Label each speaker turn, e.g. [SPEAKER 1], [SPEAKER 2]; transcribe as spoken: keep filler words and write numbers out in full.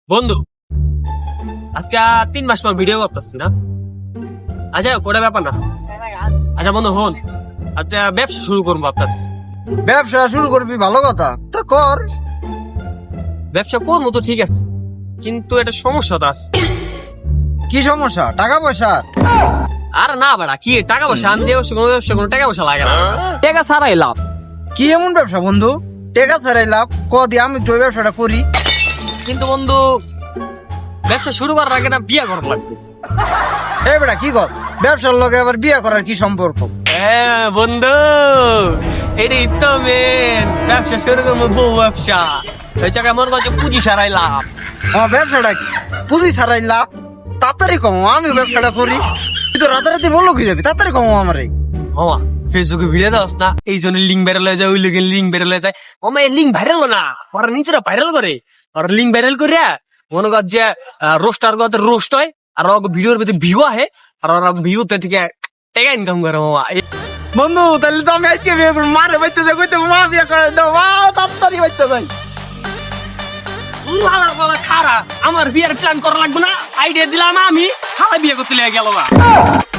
[SPEAKER 1] বন্ধু আজকে তিন মাস পর ভিডিও করতেছি না। আচ্ছা কোটা ব্যাপার না। আচ্ছা বন্ধু হন, আচ্ছা ব্যবসা শুরু করবো ভাবতাছি।
[SPEAKER 2] ব্যবসা শুরু করবি, ভালো কথা তো কর।
[SPEAKER 1] ব্যবসা করবো তো ঠিক আছে, কিন্তু একটা সমস্যা তো আছে।
[SPEAKER 2] কি সমস্যা? টাকা পয়সা?
[SPEAKER 1] আর না বাড়া কি টাকা পয়সা, আমি যে ব্যবসা কোনো ব্যবসা কোনো টাকা পয়সা লাগে না, টাকা ছাড়াই লাভ।
[SPEAKER 2] কি এমন ব্যবসা বন্ধু টাকা ছাড়াই লাভ? ক দি আমি তো ওই ব্যবসাটা করি।
[SPEAKER 1] কিন্তু বন্ধু ব্যবসা শুরু করার আগে না বিয়া করা লাগবে।
[SPEAKER 2] এ বেটা কি কস? ব্যবসার লগে আবার বিয়ে করার কি সম্পর্ক?
[SPEAKER 1] হ্যাঁ বন্ধু, এটাই তো মেন। ব্যবসা শুরু করবো বউ ব্যবসা, ওই জায়গায় মনে করছে পুঁজি ছাড়াই লাভ।
[SPEAKER 2] আমার ব্যবসাটা কি পুঁজি ছাড়াই লাভ? তাড়াতাড়ি কম, আমি ব্যবসাটা করি। তুই তো রাতারাতি বললো কি যাবি, তাড়াতাড়ি কম আমারে।
[SPEAKER 1] মামা ফেসবুকে ভিডিও দাস না, এই জন্য লিঙ্ক ভাইরাল হয়ে যায়, ওই লোকের লিঙ্ক ভাইরাল হয়ে যায়। মামা এই লিঙ্ক ভাইরাল না, ওরা নিজেরা ভাইরাল করে। ওরা লিঙ্ক ভাইরাল করে মনে কর যে রোস্টার গত রোস্ট হয়, আর ওর ভিডিওর ভিতরে ভিউ আহে, আর ওরা ভিউতে থেকে টাকা ইনকাম করে। মামা
[SPEAKER 2] বন্ধু তাহলে তো আমি আজকে বিয়ে করবো। মারে বাইতে যাই, কইতে মা বিয়ে করে দাও, মা তাড়াতাড়ি বাইতে যাই।
[SPEAKER 1] খারা আমার বিয়ের প্ল্যান করা লাগবে না, আইডিয়া দিলাম আমি, খালা বিয়ে করতে লেগে গেল না।